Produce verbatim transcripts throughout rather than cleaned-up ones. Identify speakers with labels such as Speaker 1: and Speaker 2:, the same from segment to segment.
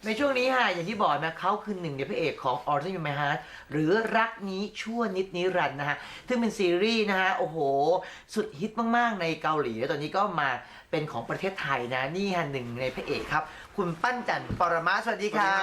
Speaker 1: ในช่วงนี้ค่ะอย่างที่บอกนะเขาคือหนึ่งในพระเอกของ Autumn in My Heart หรือรักนี้ชั่วนิดนิรันดร์นะฮะซึ่งเป็นซีรีส์นะฮะโอ้โหสุดฮิตมากๆในเกาหลีแล้วตอนนี้ก็มาเป็นของประเทศไทยนะนี่ฮะหนึ่งในพระเอกครับคุณปั้นจันทร์ปรมาสวัสดีครับ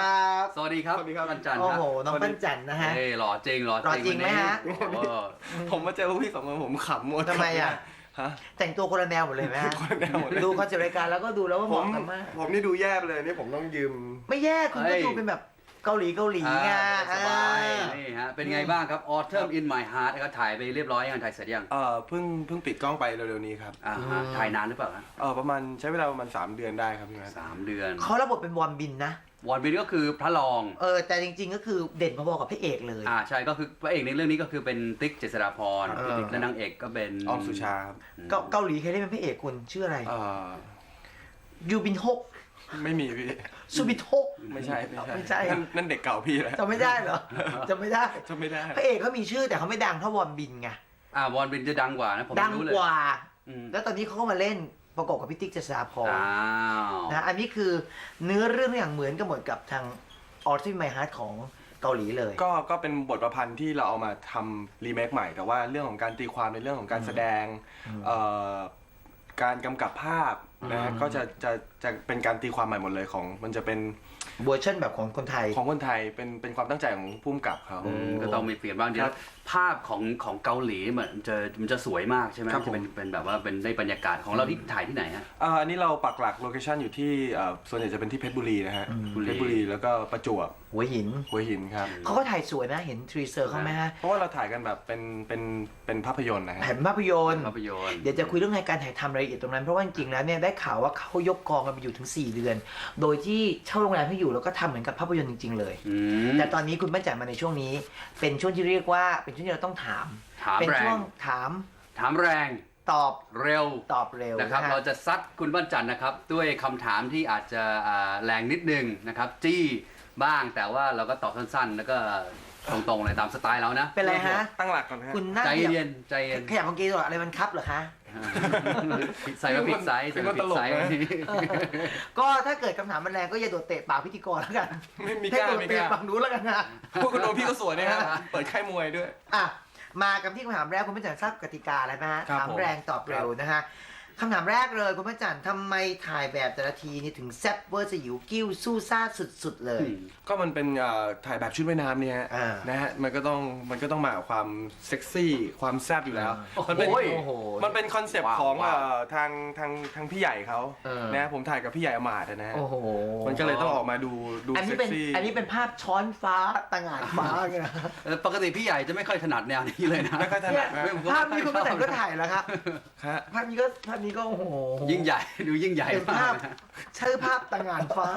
Speaker 2: สวัสดีครับ
Speaker 3: สวัสดีครับ
Speaker 2: วันจันทร์
Speaker 1: โอ้
Speaker 2: ครับ
Speaker 1: โหน้องปั้นจันทร์นะฮะ
Speaker 2: เฮ้ยหล่อจริงหล่อ
Speaker 1: หล่อจริงไหมฮะ
Speaker 2: วันนี้เออ
Speaker 3: ผมมาเจอพวกพี่สองคนผมขำหมด
Speaker 1: ทำไมอ่ะ
Speaker 3: ฮะ
Speaker 1: แต่งตัวคนละแนวหมดเลยไหมฮะ
Speaker 3: คนละแนวหมดเลย
Speaker 1: ดูคอนเซ็ปต์รายการแล้วก็ดูแล้วว่าเห
Speaker 3: ผม
Speaker 1: มาะกันมาก
Speaker 3: ผมนี่ดูแย่ไปเลยนี่ผมต้องยืม
Speaker 1: ไม่แย่คุณก็ดูเป็นแบบเกาหลีเกาหลีไง
Speaker 2: อ่าสบาย
Speaker 1: อ่า
Speaker 2: นี่ฮะเป็นไงบ้างครับ Autumn in My Heart นะครับถ่ายไปเรียบร้อยยังถ่ายเสร็จยัง
Speaker 3: เอ่อเพิ่งเพิ่งปิดกล้องไปเร็วๆนี้ครับ
Speaker 2: อ่าฮะถ่ายนานหรือเปล่าฮะ
Speaker 3: เออประมาณใช้เวลาประมาณสามเดือนได้ครับพี่แมท
Speaker 2: สามเดือน
Speaker 1: เขารับบทเป็นวอนบินนะ
Speaker 2: วอนบินก็คือพระรอง
Speaker 1: เออแต่จริงๆก็คือเด่นพอๆกับพระเอกเลย
Speaker 2: อ่าใช่ก็คือพระเอกในเรื่องนี้ก็คือเป็นติ๊กเจษฎาพร
Speaker 1: เออ
Speaker 2: และนางเอกก็เป็น
Speaker 3: ออมสุชาครับ
Speaker 1: เกาเกาหลีเคยได้เป็นพระเอกคุณชื่ออะไร
Speaker 3: เอ่อ
Speaker 1: ยูบินฮก
Speaker 3: ไม่มีพี่
Speaker 1: ซูบินฮก
Speaker 3: ไม่ใช่ไม่ใช่
Speaker 1: ไม่ใช่
Speaker 3: นั่นนั่นเด็กเก่าพี่แล้ว
Speaker 1: จำไม่ได้เหรอจำไม่ได้
Speaker 3: จำไม่ได้
Speaker 1: พระเอกเขามีชื่อแต่เขาไม่ดังเท่าวอนบินไง
Speaker 2: อ่าวอนบินจะดังกว่านะผม
Speaker 1: ดัง
Speaker 2: รู้เลย
Speaker 1: กว่า
Speaker 2: อืม
Speaker 1: แล้วตอนนี้เขาก็มาเล่นประกอบกับพิติกเจษฎาพร
Speaker 2: อ้าว
Speaker 1: นะอันนี้คือเนื้อเรื่องอย่างเหมือนกันหมดกับทางออร์ติไมฮาร์ดของเกาหลีเลย
Speaker 3: ก็ก็เป็นบทประพันธ์ที่เราเอามาทำรีเมคใหม่ แต่ว่าเรื่องของการตีความในเรื่องของการแสดงเอ่อการกำกับภาพนะฮะก็จะจะจะเป็นการตีความใหม่หมดเลยของมันจะเป็น
Speaker 1: เวอร์ชันแบบของคนไทย
Speaker 3: ของคนไทยเป็นเป็นความตั้งใจของผู้กำกับเขา
Speaker 2: อืมก็ต้องมีเปลี่ยนบ้างเดี๋ยวภาพของของเกาหลีเหมือนจะมันจะสวยมากใช่ไหม
Speaker 3: ครับ
Speaker 2: จะเป็นเป็นแบบว่าเป็นได้บรรยากาศของเราที่ถ่ายที่ไหนฮะ
Speaker 3: อ่าอันนี้เราปักหลักโลเคชันอยู่ที่เอ่อส่วนใหญ่จะเป็นที่เพชรบุรีนะฮะ
Speaker 2: บุรี
Speaker 3: เพชรบุรีแล้วก็ประจวบ
Speaker 1: หัวหิน
Speaker 3: หัวหินครับ
Speaker 1: เขาก็ถ่ายสวยนะเห็นทรีเซอร์เขาไหมฮะ
Speaker 3: เพราะว่าเราถ่ายกันแบบเป็นเป็นเป็นภาพยนตร์นะฮะ
Speaker 1: ถ่ายเป็นภาพยนตร์
Speaker 2: ภาพยนตร์
Speaker 1: เดี๋ยวจะคุยเรื่องในการถ่ายทำรายละเอียดตรงนั้นเพราะว่าจริงๆแล้วเนี่ยได้ข่าวว่าเขายกกองกันไปอยู่ถึงสี่เดือน โดยที่เช่าโรงแรมให้อยู่แล้วก็ทำเหมือนกับภาพยนตร์จริงๆเลย
Speaker 2: อืม
Speaker 1: แต่ตอนนี้คุณแม่จัดมาในช่วงนี้ เป็นช่วงที่เรียกว่าเป็นช่วงที่เราต้องถาม
Speaker 2: ถาม
Speaker 1: เป็น
Speaker 2: แร
Speaker 1: ช่ว
Speaker 2: ง
Speaker 1: งถาม
Speaker 2: ถามแรง
Speaker 1: ตอบ
Speaker 2: เร็ว
Speaker 1: ตอบเร็ว
Speaker 2: นะครับ
Speaker 1: ฮ
Speaker 2: เราจะซัดคุณบ้านจันทร์นะครับด้วยคำถามที่อาจจะอ่าแรงนิดนึงนะครับจี้บ้างแต่ว่าเราก็ตอบสั้นๆ แล้วก็ตรงๆเลยตามสไตล์เรานะ
Speaker 1: เป็นไรฮะ
Speaker 3: ตั้งหลักก่อนนะฮะ
Speaker 1: คุณนั่ง
Speaker 2: ใจ
Speaker 1: ขยับ
Speaker 2: เย็นใจเย็น
Speaker 1: ขยับเมื่อกี้ตัวอะไรมันครับเหรอคะ
Speaker 2: ใส่มาพริกไซส์ใส่มาพริกไซส์
Speaker 1: ก็ถ้าเกิดคำถามมันแรงก็อย่าโดดเตะปากพิธีกรแล้วกัน
Speaker 3: ไม่มี
Speaker 1: ให้
Speaker 3: กล้า
Speaker 1: โดด
Speaker 3: ไม่ก
Speaker 1: เตะ
Speaker 3: ล้า
Speaker 1: ปากนู้นแล้วกันนะ
Speaker 3: พวกคุณโดพี่ก็สวยนะครับเปิดค่ายมวยด้วย
Speaker 1: อ่ะมากันที่คำถามแรกคุณพระจันทร์ทราบกติกาแล้วนะฮะ
Speaker 3: ครับ
Speaker 1: ถาม
Speaker 3: ผม
Speaker 1: แรงตอบเร็วนะฮะคำถามแรกเลยคุณพระจันทร์ทำไมถ่ายแบบแต่ละทีนี่ถึงแซ่บเวอร์สยิวกิ้วสู้ซ่าสุดๆเลย
Speaker 3: ก็มันเป็นเอ่อถ่ายแบบชุดว่ายน้ำเนี่ยฮะ
Speaker 1: อ่า
Speaker 3: นะฮะมันก็ต้องมันก็ต้องมากับความเซ็กซี่ความแซ่บอยู่แล้ว มันเป็น
Speaker 2: โอ้ย
Speaker 1: โอ้โห
Speaker 3: มันเป็นคอนเซปต์
Speaker 2: ว้าว
Speaker 3: ของ
Speaker 2: ว้าว
Speaker 3: เอ่อทางทางทางพี่ใหญ่เขา
Speaker 1: เออ
Speaker 3: นะผมถ่ายกับพี่ใหญ่อมาตย์อะนะฮะ
Speaker 1: โอ้โห
Speaker 3: มันก็เลยต้องออกมาดูดู
Speaker 1: อันนี้
Speaker 3: เซ็ก
Speaker 1: เป็น
Speaker 3: ซี่
Speaker 1: อันนี้เป็นภาพช้อนฟ้าต่างหากฟ้าไงนะ
Speaker 2: เออปกติพี่ใหญ่จะไม่ค่อยถนัดแนวนี้เลยนะ
Speaker 3: ไม่ค่อยถนัดนะ
Speaker 1: เนี่ยภาพนี้คุณพระจันทร์ก็ถ่ายแล้วครับ
Speaker 3: ฮะ
Speaker 1: ภาพนี้ก็ภาพนี้ก็โอ้โห
Speaker 2: ยิ่งใหญ่ดูยิ่งใหญ่
Speaker 1: เป็น
Speaker 2: มา
Speaker 1: ภาพ
Speaker 2: กนะ
Speaker 1: ชื่อภาพต่างหากฟ้า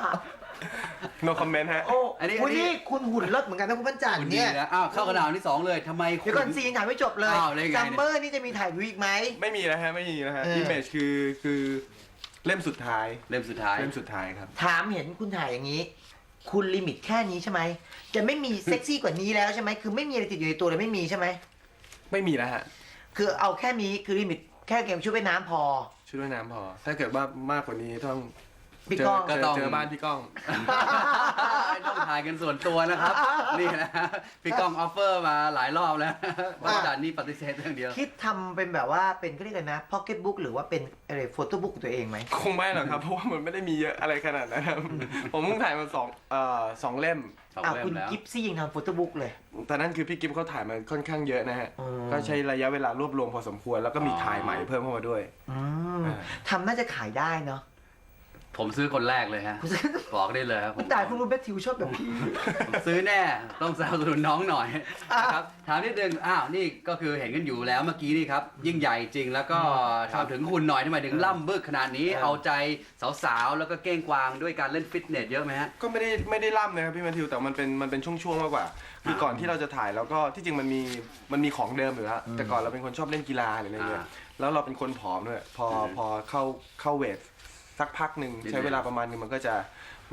Speaker 3: no comment ฮะ
Speaker 1: โอ้
Speaker 2: อันนี้
Speaker 1: คุณ
Speaker 2: อันนี้
Speaker 1: นี่คุณหุ่นเลิศเหมือนกันนะคุณพันจันท
Speaker 2: คุณ
Speaker 1: ร์
Speaker 2: ดี
Speaker 1: เนี่ย
Speaker 2: นะอ้าวเข้ากระดาวที่สองเลยทำไมคุ
Speaker 1: เดี๋ยวก่อน
Speaker 2: ณ
Speaker 1: ซีนถ่ายไม่จบเลย
Speaker 2: อ้าวแล้วยังไง
Speaker 1: ซั
Speaker 2: เนี่ย
Speaker 1: มเมอร์นี่จะมีถ่ายวิวอีกไหม
Speaker 3: ไม่มีนะฮะไม่มีนะฮะ
Speaker 1: เออ
Speaker 3: image คือคือเล่มสุดท้าย
Speaker 2: เล่มสุดท้าย
Speaker 3: เล่มสุดท้ายครับ
Speaker 1: ถามเห็นคุณถ่ายอย่างนี้ คุณลิมิตแค่นี้ใช่ไหมจะไม่มีเซ็กซี่กว่านี้แล้วใช่ไหมคือไม่มีอะไรติดอยู่ในตัวเลยไม่มีใช่ไหม
Speaker 3: ไม่มีแล้วฮะ
Speaker 1: คือเอาแค่นี้คือลิมิตแค่เกมชุดว่ายน้ำพอ
Speaker 3: ชุดว่ายน้ำพอ ถ้าเกิดว่ามากกว่านี้ต้อง
Speaker 1: พี่
Speaker 3: เจอ
Speaker 1: ก้อง
Speaker 3: เจอเจอบ้านพี่ก้อง
Speaker 2: ต้องถ่ายกันส่วนตัวนะครับ นี่นะพี่ก้องออฟเฟอร์มาหลายรอบแล้วว่าจานนี่ปฏิเสธเรื่องเดียว
Speaker 1: คิดทำเป็นแบบว่าเป็นก็เรียกกันนะพ็อกเก็ตบุ๊กหรือว่าเป็นอะไรโฟโต้บุ๊กตัวเองไหม
Speaker 3: คงไม่หรอกครับ เพราะว่ามันไม่ได้มีเยอะอะไรขนาดนั้นครับ ผมเพิ่งถ่ายมาสองเอ่อสองเล่ม
Speaker 2: สอง
Speaker 1: อ้าว
Speaker 2: เล่ม
Speaker 1: คุณ
Speaker 2: แล้ว
Speaker 1: กิฟซี่ยังทำโฟโต้บุ๊กเลย
Speaker 3: แต่นั่นคือพี่กิฟเขาถ่ายมาค่อนข้างเยอะนะฮะ
Speaker 1: อ๋อ
Speaker 3: ก็ใช้ระยะเวลารวบรวมพอสมควร แล้วก็มีถ่ายใหม่เพิ่มเข้ามาด้วย
Speaker 1: อืม
Speaker 3: อ่า
Speaker 1: ทำน่าจะขายได้เนาะ
Speaker 2: ผมซื้อคนแรกเลยฮะ
Speaker 1: คุณซื้อ
Speaker 2: บอกได้เลยครับผ
Speaker 1: คุ
Speaker 2: ม
Speaker 1: ณตายคุณรู้แมทธิวชอบแบบพี่
Speaker 2: ผมซื้อแน่ต้องสนับสนุนน้องหน่อย
Speaker 1: อ่ะ
Speaker 2: นะครับถามนิดนึงอ้าวนี่ก็คือเห็นกันอยู่แล้วเมื่อกี้นี่ครับยิ่งใหญ่จริงแล้วก็ถามถึงคุณหน่อยทำไมถึงล่ำบึกขนาดนี้
Speaker 1: เออ
Speaker 2: เอาใจสาวๆแล้วก็เก้งกวางด้วยการเล่นฟิตเนสเยอะไหมฮะ
Speaker 3: ก็ไม่ได้ไม่ได้ล่ำนะครับพี่แมทธิวแต่มันเป็นมันเป็นช่วงๆมากกว่า คือก่อนที่เราจะถ่ายแล้วก็ที่จริงมันมีมันมีของเดิมอยู่แล้วแต่ก่อนเราเป็นคนชอบเล่นกีฬาหรืออะไรเงี้ย
Speaker 2: อ่า
Speaker 3: แล้วเราเป็นคนผอมด้วยพอ
Speaker 2: อืม
Speaker 3: พอเข้าเข้าเวทสักพักหนึ่ง
Speaker 2: นิดนึง
Speaker 3: ใช้เวลาประมาณนึงมันก็จะ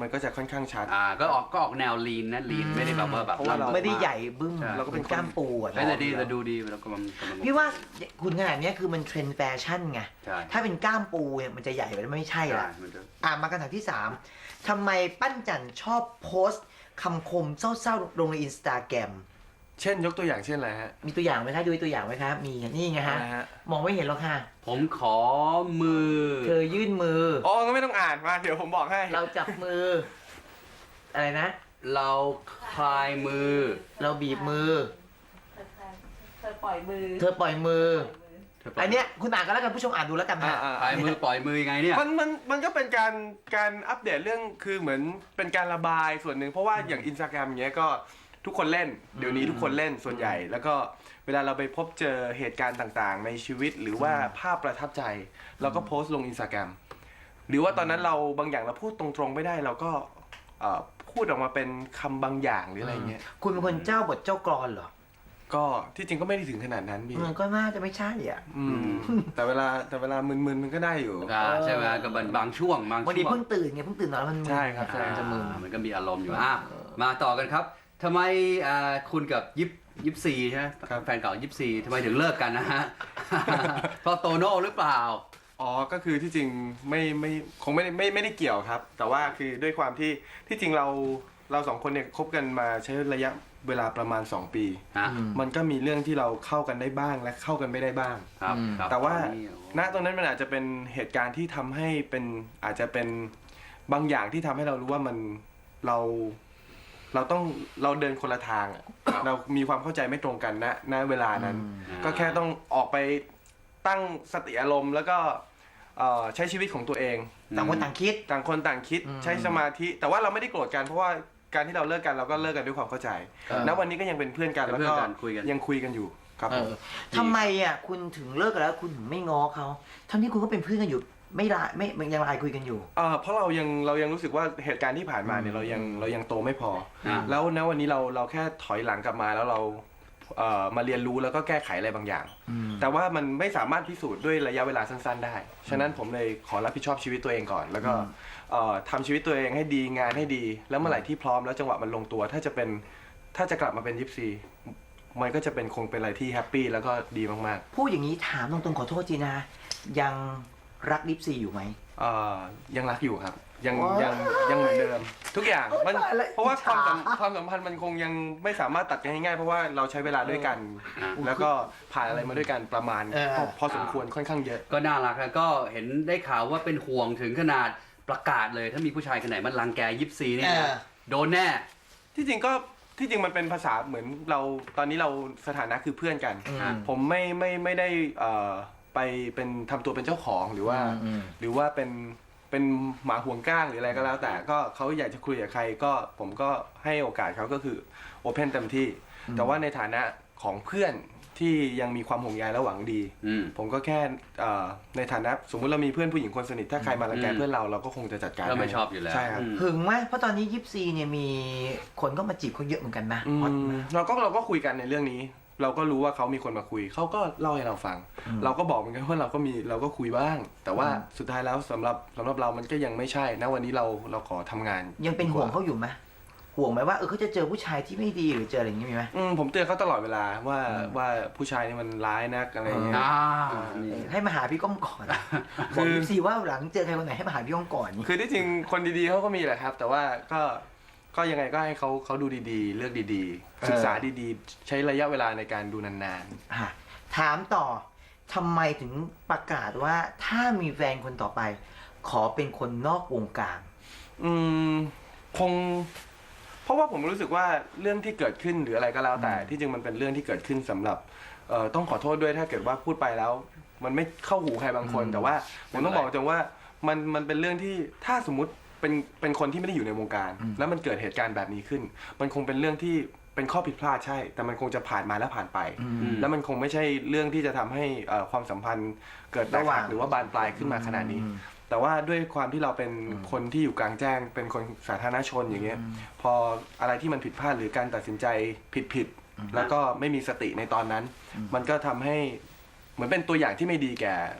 Speaker 3: มันก็จะค่อนข้างชัด
Speaker 2: อ่าก็ออกก็ออกแนวลีนนะลีนไม่ได้แบบว่าแบบ
Speaker 3: เพราะว่าเรา
Speaker 1: ไม่ได้ใหญ่บึ้ม
Speaker 2: ใช่
Speaker 1: เราก็เป็นกล้ามปูอะ
Speaker 2: ไม่แต่ดีแต่ดูดีแล้วก็มันกำลัง
Speaker 1: พี่ว่าคุณขนาดเนี้ยคือมันเทรนด์แฟชั่นไง
Speaker 2: ใช่
Speaker 1: ถ้าเป็นกล้ามปูเนี่ยมันจะใหญ่ไปแล้วไม่ใช่
Speaker 2: ใช่
Speaker 1: ละ
Speaker 2: มันจะ
Speaker 1: อ่ะมาคำถามที่สามทำไมปั้นจันชอบโพสต์คำคมเศร้าๆลงในอินสตาแกรม
Speaker 3: เช่นยกตัวอย่างเช่นอะไรฮะ
Speaker 1: มีตัวอย่างไหมคะดูตัวอย่างไหมคะมีนี่ไงฮะ
Speaker 3: อะไรฮะ
Speaker 1: มองไม่เห็นหรอกค่ะ
Speaker 2: ผมขอมือ
Speaker 1: เธอยื่นมือ
Speaker 3: อ๋อก็ไม่ต้องอ่านมาเดี๋ยวผมบอกให้
Speaker 1: เราจับมือ อะไรนะ
Speaker 2: เราคลายมือ
Speaker 1: เราบีบมือ
Speaker 4: เธอปล่อยมือ
Speaker 1: เธอปล่อยมือ
Speaker 2: เธอปล่
Speaker 1: อันเนี้ยคุณอ่านกันแล้วกันผู้ชมอ่านดูแล้วกัน
Speaker 3: อ่า
Speaker 1: นะ
Speaker 3: อ่า
Speaker 2: คลายมือปล่อยมือยังไงเนี่ย
Speaker 3: มันมันมันก็เป็นการการอัปเดตเรื่องคือเหมือนเป็นการระบายส่วนหนึ่งเพราะว่าอย่างอินสตาแกรมอย่างเงี้ยก็ทุกคนเล่น เดี๋ยวนี้ทุกคนเล่นส่วนใหญ่ แล้วก็เวลาเราไปพบเจอเหตุการณ์ต่างๆ ในชีวิตหรือว่าภาพประทับใจ เราก็โพสต์ลงอินสตาแกรมหรือว่าตอนนั้นเราบางอย่างเราพูดตรงๆไม่ได้เราก็เอ่อพูดออกมาเป็นคำบางอย่างหรืออะไรเงี้ย
Speaker 1: คุณเป็นคนเจ้าบทเจ้ากรอนเหรอ
Speaker 3: ก็ที่จริงก็ไม่ได้ถึงขนาดนั้นพี่
Speaker 1: มันก็น่าจะไม่ใช่อ่ะ
Speaker 3: อืมแต่เวลาแต่เวลามึนๆมันก็ได้อยู่
Speaker 2: อ่าใช่ไหมก็เป็นบางช่วงบาง
Speaker 1: บางที
Speaker 2: ช่วง
Speaker 1: เพิ่งตื่นไงเพิ่งตื่นนอนแล้วมันมึน
Speaker 3: ใช่ครับ
Speaker 1: อ่าจะมึน
Speaker 2: อ่ามันก็มีอารมณ์อยู่อ่ะมาต่อกันครับทำไมอ่าคุณกับยิปยิปซีใช่ไหม
Speaker 3: ครับ
Speaker 2: แฟนเก่ายิปซีทำไมถึงเลิกกันนะฮ ะ เพราะโตโน่หรือเปล่า
Speaker 3: อ๋อ ก็คือที่จริงไม่ไม่คงไม่ได้ไม่ไม่ได้เกี่ยวครับ แต่ว่าคือด้วยความที่ที่จริงเราเราสองคนเนี่ยคบกันมาใช้ระยะเวลาประมาณ สอง ปี
Speaker 2: ฮะ
Speaker 3: มันก็มีเรื่องที่เราเข้ากันได้บ้างและเข้ากันไม่ได้บ้าง
Speaker 2: ครับ
Speaker 1: อืม
Speaker 2: ครับ
Speaker 3: แต่ว่า
Speaker 2: ตอนนี้
Speaker 3: ณตรงนั้นมันอาจจะเป็นเหตุการณ์ที่ทำให้เป็นอาจจะเป็นบางอย่างที่ทำให้เรารู้ว่ามันเราเราต้องเราเดินคนละทางอะเรามีความเข้าใจไม่ตรงกันณณเวลานั้น ก็แค่ต้องออกไปตั้งสติอารมณ์แล้วก็เอ่อใช้ชีวิตของตัวเอง
Speaker 1: ต่างคนต่างคิด
Speaker 3: ต่างคนต่างคิด
Speaker 1: อืม
Speaker 3: ใช้สมาธิ แต่ว่าเราไม่ได้โกรธกันเพราะว่าการที่เราเลิกกันเราก็เลิกกันด้วยความเข้าใจ
Speaker 1: ครับ
Speaker 3: ณวันนี้ก็ยังเป็นเพื่อนกัน
Speaker 2: เป็น
Speaker 3: แล้ว
Speaker 2: เพื่อน
Speaker 3: ก็
Speaker 2: กันคุยกัน
Speaker 3: ยังคุยกันอยู่ครับ
Speaker 1: เอ
Speaker 3: ผม
Speaker 1: อทำไมอ่ะคุณถึงเลิกกันแล้วคุณถึงไม่ง้อเขาทั้งที่คุณก็เป็นเพื่อนกันอยู่ ไม่ละไม่มันยังไลน์คุยกันอยู่
Speaker 3: เอ่อเพราะเรายังเรายังรู้สึกว่าเหตุการณ์ที่ผ่านมาเนี่ยเรายังเรายังโตไม่พอ
Speaker 2: อ่า
Speaker 3: แล้วณวันนี้เราเราแค่ถอยหลังกลับมาแล้วเราเอ่อมาเรียนรู้แล้วก็แก้ไขอะไรบางอย่าง แต่ว่ามันไม่สามารถพิสูจน์ด้วยระยะเวลาสั้นๆได้ ฉะนั้นผมเลยขอรับผิดชอบชีวิตตัวเองก่อน แล้วก็เอ่อทำชีวิตตัวเองให้ดีงานให้ดี แล้วเมื่อไหร่ที่พร้อมแล้วจังหวะมันลงตัว ถ้าจะเป็นถ้าจะกลับมาเป็นยิปซีมันก็จะเป็นคงเป็นอะไรที่แฮปปี้แล้วก็ดีมาก
Speaker 1: พูดอย่างนี้ถามตรงๆขอโทษจีนะ ยังรักลิปซีอยู่ไหม
Speaker 3: ๆเอ่อยังรักอยู่ครับ ยัง
Speaker 1: ว้าว
Speaker 3: ยังยังเหมือนเดิม ทุกอย่างมัน
Speaker 1: ตายละ
Speaker 3: เพราะว่า
Speaker 1: อิจ
Speaker 3: ความ
Speaker 1: ฉา
Speaker 3: สัมความสัมพันธ์มันคงยังไม่สามารถตัดกันง่ายๆเพราะว่าเราใช้เวลาด้วยกัน
Speaker 2: อ่า
Speaker 3: แล้วก็ผ่านอะไรมาด้วยกันประมาณ
Speaker 1: เออ
Speaker 3: พอพอสมควรค่อนข้างเยอะ
Speaker 2: ก็น่ารักแล้วก็เห็นได้ข่าวว่าเป็นห่วงถึงขนาดประกาศเลย ถ้ามีผู้ชายคนไหนมันรังแกยิปซีเนี่ย
Speaker 1: เออ
Speaker 2: นะโดนแน่
Speaker 3: ที่จริงก็ที่จริงมันเป็นภาษาเหมือนเราตอนนี้เราสถานะคือเพื่อนกัน
Speaker 1: อืม
Speaker 3: ผมไม่ไม่ไม่ได้เอ่อไปเป็นทำตัวเป็นเจ้าของหรือว่า
Speaker 1: อืม
Speaker 3: หรือว่าเป็นเป็นหมาห่วงก้างหรืออะไรก็แล้ว แต่ก็เขาอยากจะคุยกับใครก็ผมก็ให้โอกาสเขาก็คือโอเพนเต็มที่ แต่ว่าในฐานะของเพื่อนที่ยังมีความห่วงใยและหวังดี
Speaker 2: อืม
Speaker 3: ผมก็แค่เอ่อในฐานะสมมุติเรามีเพื่อนผู้หญิงคนสนิทถ้าใครมารังแก
Speaker 2: อืม
Speaker 3: เพื่อนเราเราก็คงจะจัดการ
Speaker 2: ก็ไม่
Speaker 3: ให้
Speaker 2: ชอบอยู่แล้ว
Speaker 3: ใช่ครับ
Speaker 2: อืม
Speaker 1: หึงไหมเพราะตอนนี้ยิปซีเนี่ยมีคนก็มาจีบเขาเยอะเหมือนกันนะ
Speaker 3: อื
Speaker 1: ฮอต
Speaker 3: ม
Speaker 1: มาก
Speaker 3: เราก็เราก็คุยกันในเรื่องนี้ เราก็รู้ว่าเขามีคนมาคุยเขาก็เล่าให้เราฟัง เราก็บอกเหมือนกันว่าเราก็มีเราก็คุยบ้าง แต่ว่าสุดท้ายแล้วสำหรับสำหรับเรามันก็ยังไม่ใช่นะวันนี้เราเราขอทำงาน
Speaker 1: ยังเป็นห่วง
Speaker 3: ดีก
Speaker 1: เขาอยู่ไหมห่วงไหมว่าเออเขาจะเจอผู้ชายที่ไม่ดีหรือเจออะไรอย่างนี้มีไหม
Speaker 3: อืมผมเตือนเขาตลอดเวลาว่าว่าผู้ชายนี่มันร้ายนักอะไรอย่างเงี้ย
Speaker 2: อ่า
Speaker 1: เอ
Speaker 2: นี่
Speaker 1: อให้มาหาพี่ก้องก่อน
Speaker 3: คื
Speaker 1: บอก
Speaker 3: อ
Speaker 1: ยิปซีว่าหลังเจอใครคนไหนให้มาหาพี่ก้องก่อน
Speaker 3: คือที่จริงคนดีๆเขาก็มีแหละครับ แต่ว่าก็ก็ยังไงก็ให้เขาเขาดูดีๆ เลือกดีๆ ศึกษาดีๆ ใช้ระยะเวลาในการดูนาน
Speaker 1: อ่ะถามต่อทำไมถึงประกาศว่าถ้ามีแฟนคนต่อไป ขอเป็นคนนอกวงการ
Speaker 3: ๆอืมคง เพราะว่าผมรู้สึกว่าเรื่องที่เกิดขึ้นหรืออะไรก็แล้ว แต่ที่จริงมันเป็นเรื่องที่เกิดขึ้นสำหรับเอ่อต้องขอโทษด้วยถ้าเกิดว่าพูดไปแล้ว มันไม่เข้าหูใครบางคน
Speaker 1: อืม
Speaker 3: แต่ว่าผมต้องบอกตรงว่ามันมันเป็นเรื่องที่ถ้าสมมุติเป็นเป็นคนที่ไม่ได้อยู่ในวงการ แล้วมันเกิดเหตุการณ์แบบนี้ขึ้น มันคงเป็นเรื่องที่เป็นข้อผิดพลาดใช่ แต่มันคงจะผ่านมาแล้วผ่านไป
Speaker 1: อืม
Speaker 3: แล้วมันคงไม่ใช่เรื่องที่จะทำให้เอ่อความสัมพันธ์เกิดแตก
Speaker 1: ระหว่า
Speaker 3: หั
Speaker 1: ง
Speaker 3: กหรือว่าบานปลายขึ้นมาขนาดนี้
Speaker 1: อืม
Speaker 3: แต่ว่าด้วยความที่เราเป็นคนที่อยู่กลางแจ้ง เป็นคนสาธารณชนอย่างเงี้ย พออะไรที่มันผิดพลาดหรือการตัดสินใจผิดผิดๆแล้วก็ไม่มีสติในตอนนั้น มันก็ทำให้เหมือนเป็นตัวอย่างที่ไม่ดีแก่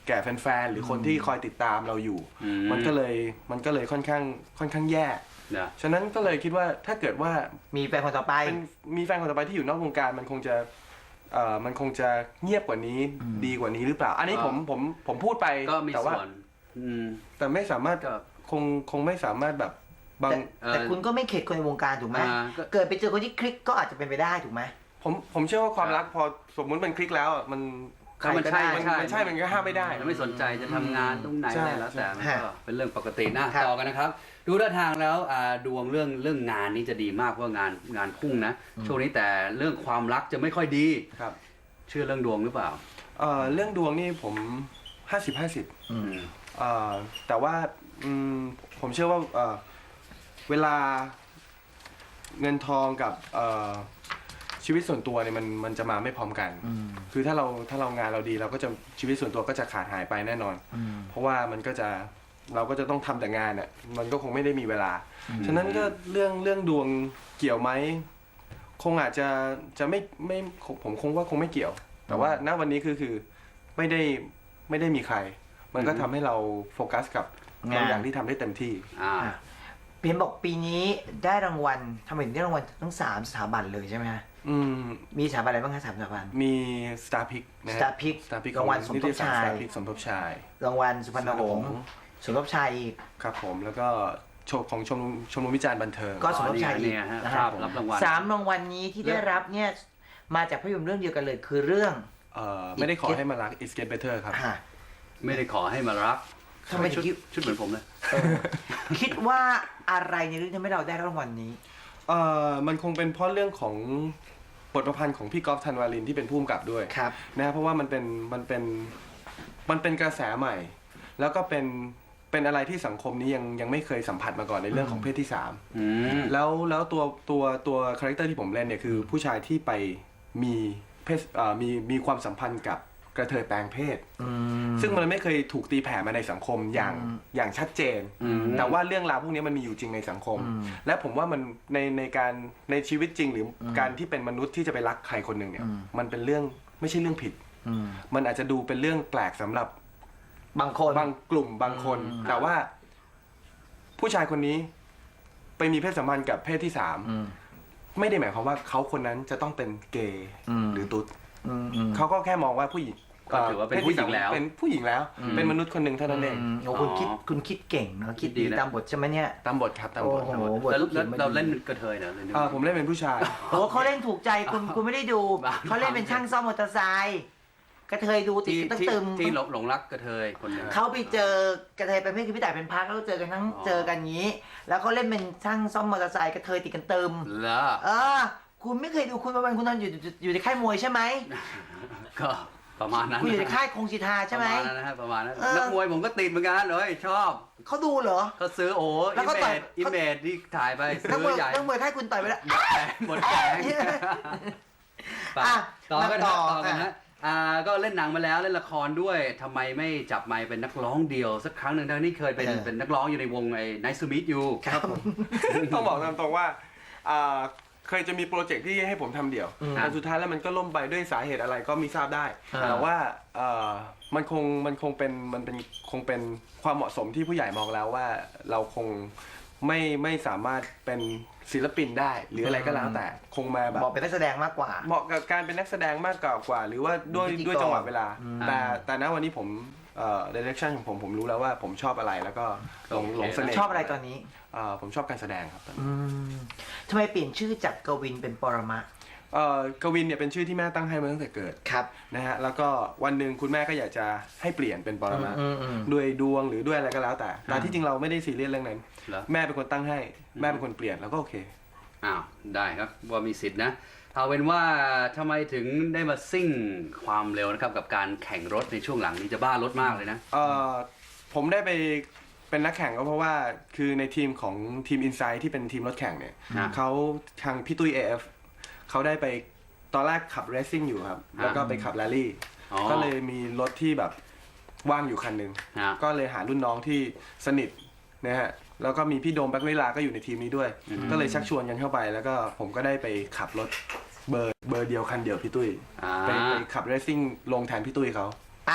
Speaker 3: แก่แฟนๆหรือคนที่คอยติดตามเราอยู่
Speaker 2: อืม
Speaker 3: มันก็เลยมันก็เลยค่อนข้างค่อนข้างแย่
Speaker 2: นะ
Speaker 3: ฉะนั้นก็เลยคิดว่าถ้าเกิดว่า
Speaker 1: มีแฟนคนต่อไป
Speaker 3: เป็นมีแฟนคนต่อไปที่อยู่นอกวงการมันคงจะเอ่อมันคงจะเงียบกว่านี้ดีกว่านี้หรือเปล่า อันนี้ผมผมผมพูดไป
Speaker 2: ก็มี
Speaker 3: แต่ว่า
Speaker 2: ส่วนอืม
Speaker 3: แต่ไม่สามารถ
Speaker 2: ก็
Speaker 3: คงคงไม่สามารถแบบบาง
Speaker 1: แต่
Speaker 2: เอ่อ
Speaker 1: แต่คุณก็ไม่เข็ดคนในวงการถูกไหม
Speaker 2: อ่าก็
Speaker 1: เกิดไปเจอคนที่คลิกก็อาจจะเป็นไปได้ถูกไหม
Speaker 3: ผมผมเชื่อว่าความรักพอสมมุติมันคลิกแล้วอะมัน
Speaker 2: ก็มันใช่
Speaker 3: มัน
Speaker 2: ใช่
Speaker 3: มันใช่มันก็ห้ามไม่ได้
Speaker 2: มันไม่สนใจจะทำงานตรงไหน
Speaker 3: ใช่
Speaker 2: อะไรแล้วแต่มัน
Speaker 1: ใช่
Speaker 2: ก็เป็นเรื่องปกตินะครับ ต่อกันนะครับ ดูท่าทางแล้วอ่าดวงเรื่องเรื่องงานนี้จะดีมากเพราะว่างานงานพุ่งนะ ช่วงนี้แต่เรื่องความรักจะไม่ค่อยดี
Speaker 3: ครับ
Speaker 2: เชื่อเรื่องดวงหรือเปล่า
Speaker 3: เอ่อเรื่องดวงนี่ผมห้าสิบห้าสิบ
Speaker 1: อืม
Speaker 3: เอ่อแต่ว่าอืมผมเชื่อว่าเอ่อเวลาเงินทองกับเอ่อชีวิตส่วนตัวเนี่ยมันมันจะมาไม่พร้อมกัน
Speaker 1: อืม
Speaker 3: คือถ้าเราถ้าเรางานเราดีเราก็จะชีวิตส่วนตัวก็จะขาดหายไปแน่นอน
Speaker 1: อืม
Speaker 3: เพราะว่ามันก็จะเราก็จะต้องทำแต่งานอ่ะมันก็คงไม่ได้มีเวลา
Speaker 1: อืม
Speaker 3: ฉะนั้นก็เรื่องเรื่องดวงเกี่ยวไหมคงอาจจะจะไม่ไม่ผมคงว่าคงไม่เกี่ยว แต่ว่าณวันนี้คือคือไม่ได้ไม่ได้มีใคร มันก็ทำให้เราโฟกัสกับบางอย่างที่ทำได้เต็มที่
Speaker 2: อ่า
Speaker 1: อ่ะเพียนบอกปีนี้ได้รางวัลทำไมถึงได้รางวัลทั้งสามสถาบันเลยใช่ไหมฮะ
Speaker 3: อืม
Speaker 1: มีสถาบันอะไรบ้างคะสามสถาบัน
Speaker 3: มี Star Pick นะฮะ
Speaker 1: Star Pick
Speaker 3: Star Pick
Speaker 1: รางวัลสมทบชาย
Speaker 3: Star Pick สมทบชาย
Speaker 1: รางวัลสุพรรณหงษ์สมทบชายอีก
Speaker 3: ครับผมแล้วก็โชว์ของชมรมชมรมวิจารณ์บันเทิง
Speaker 1: ก็สมทบชายอีก
Speaker 2: เนี่ยฮะ
Speaker 1: นะ
Speaker 2: ภา
Speaker 1: ฮะ
Speaker 2: พรับรางวัล
Speaker 1: สามรางวัลนี้ที่ได้รับเนี่ยมาจากภาพยนตร์เรื่องเดียวกันเลยคือเรื่อง
Speaker 3: เอ่อไม่ได้ขอให้มารัก It's Get Better ครับ
Speaker 1: อ่ะ
Speaker 2: ไม่ได้ขอให้มารัก
Speaker 1: ทำไมถึ
Speaker 2: ชุด
Speaker 1: งคิด
Speaker 2: ชุดเหมือนผมเลย
Speaker 1: เออคิดว่าอะไรในเรื่องทำให้เราได้รางวัลนี้
Speaker 3: เอ่อมันคงเป็นเพราะเรื่องของบทประพันธ์ของพี่กอล์ฟธันวาลินที่เป็นผู้กำกับด้วย
Speaker 1: ครับ
Speaker 3: นะเพราะว่ามันเป็นมันเป็นมันเป็นกระแสใหม่ แล้วก็เป็นเป็นอะไรที่สังคมนี้ยังยังไม่เคยสัมผัสมาก่อนในเรื่องของเพศที่สาม
Speaker 2: อืม
Speaker 3: แล้วแล้วตัวตัวตัวคาแรคเตอร์ที่ผมเล่นเนี่ยคือผู้ชายที่ไปมีเพศเอ่อมีมีความสัมพันธ์กับกระเทยแปลงเพศ
Speaker 1: อืม
Speaker 3: ซึ่งมันไม่เคยถูกตีแผ่มาในสังคมอย่าง
Speaker 1: อืม
Speaker 3: อย่างชัดเจน
Speaker 2: อืม
Speaker 3: แต่ว่าเรื่องราวพวกนี้มันมีอยู่จริงในสังคม
Speaker 1: อืม
Speaker 3: และผมว่ามันในในการในชีวิตจริงหรืออการที่เป็นมนุษย์ที่จะไปรักใครคนหนึ่งเนี่ย
Speaker 1: อืม
Speaker 3: มันเป็นเรื่องไม่ใช่เรื่องผิด
Speaker 1: อืม
Speaker 3: มันอาจจะดูเป็นเรื่องแปลกสำหรับบ
Speaker 1: างคน
Speaker 3: บางกลุ่มบางคน
Speaker 1: อืม
Speaker 3: แต่ว่า ผู้ชายคนนี้ไปมีเพศสัมพันธ์กับเพศที่สาม
Speaker 1: อืม
Speaker 3: ไม่ได้หมายความว่าเขาคนนั้นจะต้องเป็นเกย์
Speaker 1: อืม
Speaker 3: หรือตุ๊ด
Speaker 1: อืมอืม
Speaker 3: เขาก็แค่มองว่าผู้หญิง
Speaker 2: ก็ถือว่าเป็นผู้หญิงแล้ว
Speaker 3: เป็นผู้หญิงแล้ว เป็นมนุษย์คนหนึ่งเท่านั้นเอง
Speaker 1: มโอ้คุณคิดคุณคิดเก่งเนอะคิดดี
Speaker 2: ดีนะ
Speaker 1: ตามบทใช่ไหมเนี่ย
Speaker 3: ตามบทครับตามบท
Speaker 1: โอ้โห บท
Speaker 2: แล้ว
Speaker 1: ลูกเขี
Speaker 2: แล้
Speaker 1: ยน
Speaker 2: ว
Speaker 1: มา
Speaker 2: เรา
Speaker 1: ดี
Speaker 2: เล่นกระเทยเหรอเล่น
Speaker 3: อ่าผมเล่นเป็นผู้ชาย
Speaker 1: โอ้เขาเล่นถูกใจคุณคุณไม่ได้ดู
Speaker 2: บ้า
Speaker 1: เขาเล่นเป็นช่างซ่อมมอเตอร์ไซค์กระเทยดูติด
Speaker 2: ที่
Speaker 1: กันตั้ง
Speaker 2: ที่
Speaker 1: ตึม
Speaker 2: ที่หลงหลงรักกระเทยคนหนึง
Speaker 1: เขาไปเจอกระเทยเป็นเพื่อนคือพี่ต่ายเป็นพักแล้วก็เจอกันทั้ง
Speaker 2: อ๋อ
Speaker 1: เจอกันงี้ แล้วเขาเล่นเป็นช่างซ่อมมอเตอร์ไซค์กระเทยติดกันตึม
Speaker 2: แล้ว
Speaker 1: เออ คุณไม่เคยดูคุณประวันคุณนอนอยู่อยู่อยู่ในค่ายมวยใช่ไหม
Speaker 2: ก็ประมาณนั้น
Speaker 1: คุณอยู่ในค่ายคงสิทธาใช่ไหม
Speaker 2: ประมาณนั้นนะฮะประมาณนั้น
Speaker 1: เออ
Speaker 2: นักมวยผมก็ติดเหมือนกันเลยชอบ
Speaker 1: เขาดูเหรอ
Speaker 2: เขาซื้อโอ้
Speaker 1: แล้
Speaker 2: อิ
Speaker 1: วก็
Speaker 2: เม
Speaker 1: ต่อย
Speaker 2: จอิเมจที่ถ่ายไป
Speaker 1: นักม
Speaker 2: ซื้
Speaker 1: วย
Speaker 2: อใหญ่
Speaker 1: นักมวยค่ายคุณต่อยไปแล้ว
Speaker 2: หมดแผงไป
Speaker 1: อ่ะ
Speaker 2: ต่อกัน
Speaker 1: มาต่
Speaker 2: ต่
Speaker 1: อ
Speaker 2: อกันฮะอ่าก็เล่นหนังมาแล้วเล่นละครด้วยทำไมไม่จับไมค์เป็นนักร้องเดียว สักครั้งหนึ่งทั้งที่เคยเป็น
Speaker 1: เออ
Speaker 2: เป็นนักร้องอยู่ในวงไอ้ Nice to Meet You
Speaker 1: ครับผม
Speaker 3: ต้องบอกตามตรงว่าอ่าเคยจะมีโปรเจกต์ที่ให้ผมทำเดี่ยว
Speaker 1: อืม
Speaker 3: แต่สุดท้ายแล้วมันก็ล่มไปด้วยสาเหตุอะไรก็มีทราบได้
Speaker 1: อ่า
Speaker 3: แต่ว่าเอ่อมันคงมันคงเป็นมันเป็นคงเป็นความเหมาะสมที่ผู้ใหญ่มองแล้วว่าเราคงไม่ไม่สามารถเป็นศิลปินได้ หรืออะไรก็แล้วแต่คงมาแบบ
Speaker 1: บอกเป็นนักแสดงมากกว่า
Speaker 3: เหมาะกับการเป็นนักแสดงมากกว่ากว่า หรือว่าด้วย
Speaker 1: พิธีกร
Speaker 3: ด้วยจังหวะเวลา
Speaker 1: อืม
Speaker 3: แต่แต่ณวันนี้ผมเอ่อ direction ของผมผมรู้แล้วว่าผมชอบอะไรแล้วก็หลง
Speaker 2: โอเค
Speaker 3: หลงเสน่ห์
Speaker 1: ชอบอะไรตอนนี้
Speaker 3: เอ่อผมชอบการแสดงครับตอนนี้
Speaker 1: อืมทำไมเปลี่ยนชื่อจากกวินเป็นปรมะ
Speaker 3: เอ่อกวินเนี่ยเป็นชื่อที่แม่ตั้งให้มาตั้งแต่เกิด
Speaker 1: ครับ
Speaker 3: นะฮะแล้วก็วันหนึ่งคุณแม่ก็อยากจะให้เปลี่ยนเป็นปรมา
Speaker 1: อืมอืม
Speaker 3: ด้วยดวงหรือด้วยอะไรก็แล้วแต่แต่ที่จริงเราไม่ได้ซีเรียสเรื่องนั้น
Speaker 2: เหรอ
Speaker 3: แม่เป็นคนตั้งให้แม่เป็นคนเปลี่ยนแล้วก็โอเค
Speaker 2: อ้าวได้ครับว่ามีสิทธินะเอาเป็นว่าทำไมถึงได้มาซิ่งความเร็วนะครับกับการแข่งรถในช่วงหลังนี้จะบ้ารถมากเลยนะ
Speaker 3: เอ่อผมได้ไปเป็นนักแข่งก็เพราะว่าคือในทีมของทีม Insight ที่เป็นทีมรถแข่งเนี่ย
Speaker 2: อ่า
Speaker 3: เขาทางพี่ตุ้ย เอ เอฟ เขาได้ไปตอนแรกขับเรซซิ่งอยู่ครับ
Speaker 2: อ่า
Speaker 3: แล้วก็ไปขับแรลลี่
Speaker 2: อ๋อ
Speaker 3: ก็เลยมีรถที่แบบว่างอยู่คันหนึ่ง
Speaker 2: ฮะ
Speaker 3: ก็เลยหารุ่นน้องที่สนิทนะฮะแล้วก็มีพี่โดมแบ็คเวลาก็อยู่ในทีมนี้ด้วย
Speaker 2: อืม
Speaker 3: ก็เลยชักชวนกันเข้าไป แล้วก็ผมก็ได้ไปขับรถเบอร์เบอร์เดียวคันเดียวพี่ตุ้ย
Speaker 2: อ่า
Speaker 3: ไปไปขับเรซซิ่งลงแทนพี่ตุ้ยเขา
Speaker 1: อ่ะ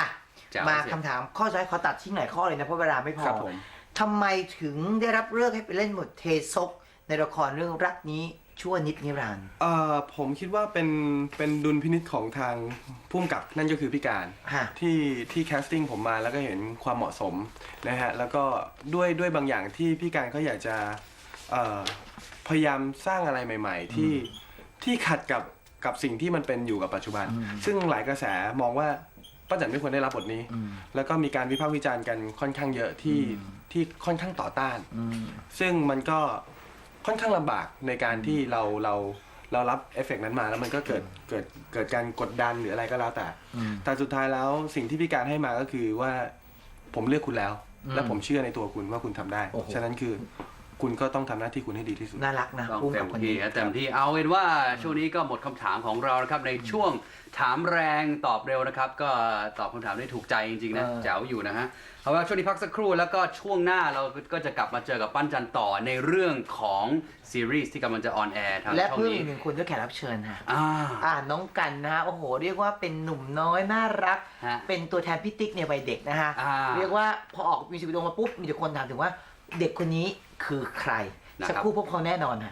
Speaker 2: แจ๋ว
Speaker 1: มา
Speaker 2: เสีย
Speaker 1: คำถามข้อสุดท้ายขอตัดทิ้งหลายข้อเลยนะเพราะเวลาไม่พอ
Speaker 3: ครับผม
Speaker 1: ทำไมถึงได้รับเลือกให้ไปเล่นบทเทซกในละครเรื่องรักนี้ชั่วนิดนิรันดร์
Speaker 3: เอ่อผมคิดว่าเป็นเป็นดุลพินิจของทางผู้กำกับนั่นก็คือพี่การ
Speaker 1: ฮะ
Speaker 3: ที่ที่แคสติ้งผมมาแล้วก็เห็นความเหมาะสมนะฮะแล้วก็ด้วยด้วยบางอย่างที่พี่การเขาอยากจะเอ่อพยายามสร้างอะไรใหม่ ๆ ที่ที่ขัดกับกับสิ่งที่มันเป็นอยู่กับปัจจุบัน ซึ่งหลายกระแสมองว่าป้าแจ๋นไม่ควรได้รับบทนี้ แล้วก็มีการวิพากษ์วิจารณ์กันค่อนข้างเยอะที่ที่ค่อนข้างต่อต้าน ซึ่งมันก็ค่อนข้างลำบากในการที่เราเราเรารับเอฟเฟกต์นั้นมาแล้วมันก็เกิดเกิดเกิดการกดดันหรืออะไรก็แล้วแต่ แต่สุดท้ายแล้วสิ่งที่พี่การให้มาก็คือว่าผมเลือกคุณแล้ว และผมเชื่อในตัวคุณว่าคุณทำได้
Speaker 1: โอ้โห
Speaker 3: ฉะนั้นคือคุณก็ต้องทำหน้าที่คุณให้ดีที่สุด
Speaker 1: น่ารักนะ
Speaker 2: ต้อง
Speaker 1: พุ่ม
Speaker 2: เต็
Speaker 1: กับ
Speaker 2: ม
Speaker 1: คน
Speaker 2: ที่
Speaker 1: นี้
Speaker 2: ฮะเต็มที่เอาเป็นว่าช่วงนี้ก็หมดคำถามของเรานะครับในช่วงถามแรงตอบเร็วนะครับ ก็ตอบคำถามได้ถูกใจจริงๆนะ
Speaker 1: เออ
Speaker 2: แจ๋วอยู่นะฮะเอาว่าช่วงนี้พักสักครู่แล้วก็ช่วงหน้าเราก็จะกลับมาเจอกับปั้นจันต่อในเรื่องของซีรีส์ที่กำลังจะออนแอร์ทาง
Speaker 1: และ
Speaker 2: ช่อง
Speaker 1: เพิ่ม
Speaker 2: นี้
Speaker 1: อีกหนึ่งคนด้วยแขกรับเชิญฮะ
Speaker 2: อ่า
Speaker 1: อ่าน้องกันนะฮะโอ้โห เรียกว่าเป็นหนุ่มน้อยน่ารัก
Speaker 2: ฮะ
Speaker 1: เป็นตัวแทนพี่ติ๊กในวัยเด็กนะฮะ
Speaker 2: อ่า
Speaker 1: เรียกว่าพอออกมิวสิกวิดีโอมาปุ๊บมีแต่คนถามถึงว่าเด็กคนนี้คือใคร
Speaker 2: นะครับ
Speaker 1: สักครู่พบเขาแน่นอนฮะ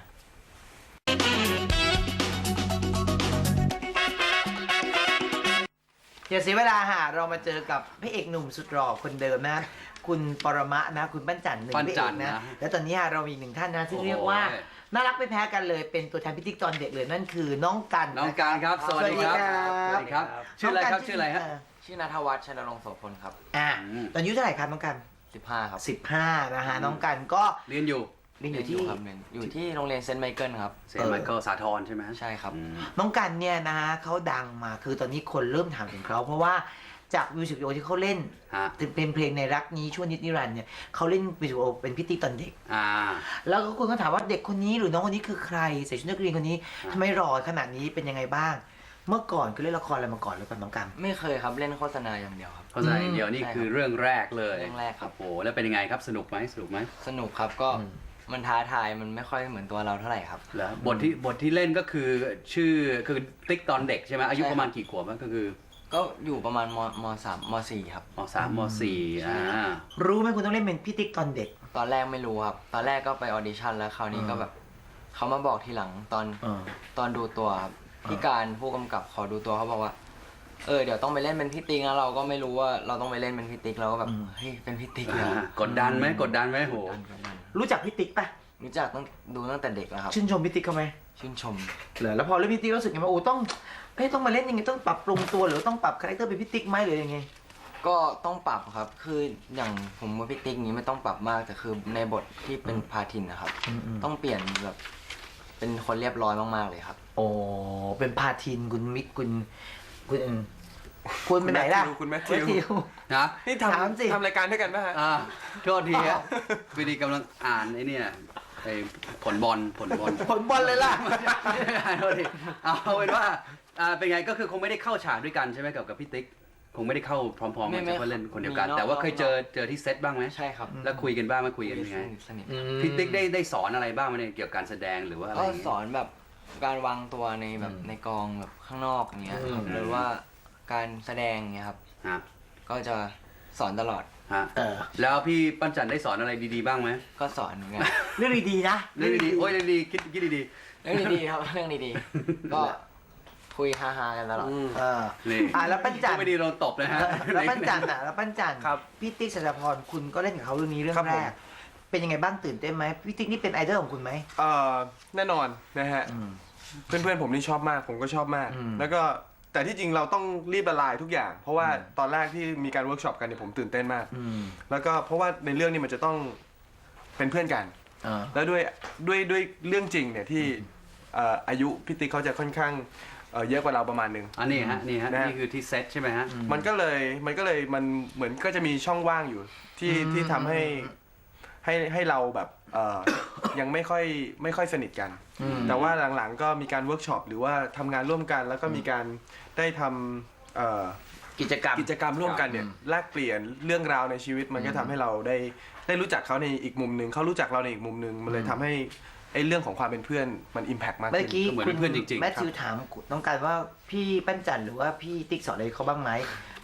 Speaker 1: อย่าเสียเวลาฮะเรามาเจอกับพระเอกหนุ่มสุดหล่อคนเดิมนะ คุณปรมะนะ คุณปั้นจันทร์หนึ่ง
Speaker 2: ปั้น
Speaker 1: พระ
Speaker 2: จั
Speaker 1: เอน ก
Speaker 2: ทร์
Speaker 1: นะ
Speaker 2: นะ
Speaker 1: แล้วตอนนี้ฮะเรามีอีกหนึ่งท่านนะที่
Speaker 2: โอ้โห
Speaker 1: เรียกว่าน่ารักไม่แพ้กันเลย เป็นตัวแทนพิธีกรเด็กเลยนั่นคือน้องกัน
Speaker 2: น้องการครับ สวัสดีครับ
Speaker 1: สวัสดีครับ
Speaker 2: ชื่ออะไรครับชื่ออะไรฮะ
Speaker 5: ชื่อนัทวัฒน์ชนรงค์โสพลครับ
Speaker 1: อ่า
Speaker 2: อืม
Speaker 1: ตอนอายุเท่าไหร่ครับน้องกัน
Speaker 5: สิบห้าครับ
Speaker 1: สิบห้านะฮะน้องกันก็
Speaker 2: เรียนอยู่
Speaker 1: เรียนอยู่ที่
Speaker 5: ครับเรียนอยู่ที่โรงเรียนเซนต์ไมเคิลครับ
Speaker 2: เซนต์ไมเคิลสาทรใช่ไหม
Speaker 5: ใช่ครับ
Speaker 2: อืม
Speaker 1: น้องกันเนี่ยนะฮะเขาดังมาคือตอนนี้คนเริ่มถามถึงเขาเพราะว่าจากมิวสิกวิดีโอที่เขาเล่น
Speaker 2: ฮะ
Speaker 1: เป็นเพลงในรักนี้ชั่วนิดนิรันดร์เนี่ยเขาเล่นมิวสิกวิดีโอเป็นพิธีตอนเด็ก
Speaker 2: อ่า
Speaker 1: แล้วก็คนก็ถามว่าเด็กคนนี้หรือน้องคนนี้คือใครใส่ชุดนักเรียนคนนี้
Speaker 2: อ่า
Speaker 1: ทำไมหล่อขนาดนี้เป็นยังไงบ้าง เมื่อก่อนคือเล่นละครอะไรมาก่อนหรือเปล่าน้องกัน
Speaker 5: ไม่เคยครับเล่นโฆษณาอย่างเดียวครับ
Speaker 2: เพราะฉะนั้นเดี๋ยวนี่
Speaker 5: ใช่ครับ
Speaker 2: คือเรื่องแรกเลย
Speaker 5: เรื่องแรกครับ
Speaker 2: โอ้โหแล้วเป็นยังไงครับสนุกไหมสนุกไหม
Speaker 5: สนุกครับก็
Speaker 1: อืม
Speaker 5: มันท้าทายมันไม่ค่อยเหมือนตัวเราเท่าไหร่ครับ
Speaker 2: แล้วบทที่บทที่เล่นก็คือชื่อคือติ๊กตอนเด็กใช่ไหมอายุ
Speaker 5: ใช่ครับ
Speaker 2: ประมาณกี่ขวบอะก็คือ
Speaker 5: ก็อยู่ประมาณมมสามมสี่ครับ
Speaker 2: มสามมสี่อ่า
Speaker 1: รู้ไหมคุณต้องเล่นเป็นพิธีตอนเด็ก
Speaker 5: ตอนแรกไม่รู้ครับ ตอนแรกก็ไปออดิชั่นแล้วคราวนี้ก็แบบเขามาบอกทีหลังตอน
Speaker 1: เออ
Speaker 5: ตอนดูตัวครับพี่การผู้กำกับขอดูตัวเขาบอกว่า เออเดี๋ยวต้องไปเล่นเป็นพี่ติ๊กนะเราก็ไม่รู้ว่าเราต้องไปเล่นเป็นพี่ติ๊กเราก็แบบเฮ้ยเป็นพี่ติ๊กเลยเหรอก
Speaker 2: ดดันไหมกดดันไหมโห
Speaker 5: กดดันกดดัน
Speaker 1: รู้จักพิติกปะ
Speaker 5: รู้จักตั้งดูตั้งแต่เด็กแล้วครับ
Speaker 1: ชื่นชมพิติกเขาไหม
Speaker 5: ชื่นชม
Speaker 1: เหรอแล้วพอเล่นพิติกรู้สึกไงว่าโอ้ต้องเอ้ยต้องมาเล่นยังไงต้องปรับปรุงตัวหรือต้องปรับคาแรคเตอร์เป็นพิติกไหมหรือยังไง
Speaker 5: ก็ต้องปรับครับ คืออย่างผมว่าพี่ติ๊กนี้ไม่ต้องปรับมากแต่คือในบทที่เป็นพาทินนะครับ
Speaker 1: อืมอืม
Speaker 5: ต้องเปลี่ยนแบบเป็นคนเรียบร้อยมากๆเลยครับ
Speaker 1: โอ้เป็นพาทินคุณมิกคุณคุณอืมคุณไปไหนล่ะ
Speaker 3: คุณแมทธิว
Speaker 1: แมทธิว
Speaker 2: นะ
Speaker 3: นี่
Speaker 1: ถาม
Speaker 3: ทำ
Speaker 1: สิ
Speaker 3: ทำรายการด้วยกันป่ะฮะ
Speaker 2: อ่าโทษทีฮะวิดีกำลังอ่านไอ้เนี่ยไอ้ผลบอลผลบอล
Speaker 1: ผลบอลเลยล่ะ
Speaker 2: โทษทีเอาเป็นว่าอ่าเป็นไงก็คือคงไม่ได้เข้าฉากด้วยกันใช่ไหมกับกับพี่ติ๊กคงไม่ได้เข้าพร้อมๆ
Speaker 5: ไม่
Speaker 2: กัน
Speaker 5: ไม่
Speaker 2: เฉพาะเล่นคนเดียวกัน
Speaker 5: มีนอก
Speaker 2: แต่ว่าเคย
Speaker 5: นอก
Speaker 2: เจอเจอที่เซตบ้างไหม
Speaker 5: ใช่ครับ
Speaker 2: แล้วคุยกันบ้างไหมคุยกันยังไง
Speaker 5: สนิทสนิท
Speaker 2: พี่ติ๊กได้ได้สอนอะไรบ้างไหมเนี่ยเกี่ยวกับการแสดงหรือว่าอะไร
Speaker 5: ก็
Speaker 2: อย่าง
Speaker 5: ส
Speaker 2: เงี้ย
Speaker 5: อนแบบการวางตัวในแบบ
Speaker 1: อืม
Speaker 5: ในกองแบบข้างนอกอย่างเงี้ยครับ
Speaker 2: อืม
Speaker 5: หรือว่าการแสดงเงี้ยครับ
Speaker 2: ฮะ
Speaker 5: ก็จะสอนตลอด
Speaker 2: ฮะ
Speaker 1: เออ
Speaker 2: แล้วพี่ปั้นจันได้สอนอะไรดีๆบ้างไหม
Speaker 5: ก็สอนเหมือนกัน
Speaker 1: เรื่องดีๆนะ
Speaker 2: เรื่องดีๆโอ้ยเรื่องดีๆคิดคิดดี
Speaker 5: เรื่องดีๆครับ เรื่องดีๆ ก็คุยฮาๆกันตลอด
Speaker 1: เออ
Speaker 2: ๆนี่
Speaker 1: อ่ะแล้วปั้นจัน
Speaker 2: ไม่ดีโดนตบนะฮะ
Speaker 1: แล้วปั้นจันอ่ะแล้วปั้นจัน
Speaker 3: ครับ
Speaker 1: พี่ติ๊กสัจพรคุณก็เล่นกับเขาเรื่องนี้เรื่อง
Speaker 3: ครับ
Speaker 1: แร
Speaker 3: ผม
Speaker 1: ก เป็นยังไงบ้างตื่นเต้นไหมพี่ติ๊กนี่เป็นไอดอลของคุณไหม
Speaker 3: เอ่อแน่นอนนะฮะ
Speaker 1: อืม
Speaker 3: เพื่อนๆผมนี่ชอบมากผมก็ชอบมาก
Speaker 1: อืม
Speaker 3: แล้วก็แต่ที่จริงเราต้องรีบละลายทุกอย่าง เพราะว่าตอนแรกที่มีการเวิร์กช็อปกันเนี่ยผมตื่นเต้นมาก
Speaker 1: อืม
Speaker 3: แล้วก็เพราะว่าในเรื่องนี้มันจะต้องเป็นเพื่อนกัน
Speaker 1: อ่า
Speaker 3: แล้วด้วยด้วยด้วยเรื่องจริงเนี่ยที่เอ่ออายุพี่ติ๊กเขาจะค่อนข้างเอ่อเยอะกว่าเราประมาณหนึง
Speaker 2: อันนี้ฮะนี่ฮะ
Speaker 3: นะฮะ
Speaker 2: นี่คือที่เซตใช่ไหมฮะ
Speaker 3: มันก็เลยมันก็เลยมันเหมือนก็จะมีช่องว่างอยู่ที่
Speaker 1: อืม
Speaker 3: ที่ทำให้ให้ให้เราแบบเอ่อ ยังไม่ค่อยไม่ค่อยสนิทกัน
Speaker 1: อืม
Speaker 3: แต่ว่าหลังๆก็มีการเวิร์กช็อปหรือว่าทำงานร่วมกัน แล้วก็มีการได้ทำเอ่อ
Speaker 1: กิจกรรม
Speaker 3: กิจกรรมร่วมกันเนี่ยแลกเปลี่ยนเรื่องราวในชีวิตมันก็ทำให้เราได้ได้รู้จักเขาในอีกมุมหนึ่งเขารู้จักเราในอีกมุมหนึ่งมันเลยทำให้ไอ้เรื่องของความเป็นเพื่อนมันอิมแพกมาก
Speaker 1: เมื่อ
Speaker 3: ขึ้น
Speaker 1: กี้
Speaker 2: ก็เหมือน
Speaker 1: คุณ
Speaker 2: เพื่อนจริงๆ
Speaker 1: แมทธิวถามน้องกันว่าพี่ปั้นจันหรือว่าพี่ติ๊กสอนอะไรเขาบ้างไหม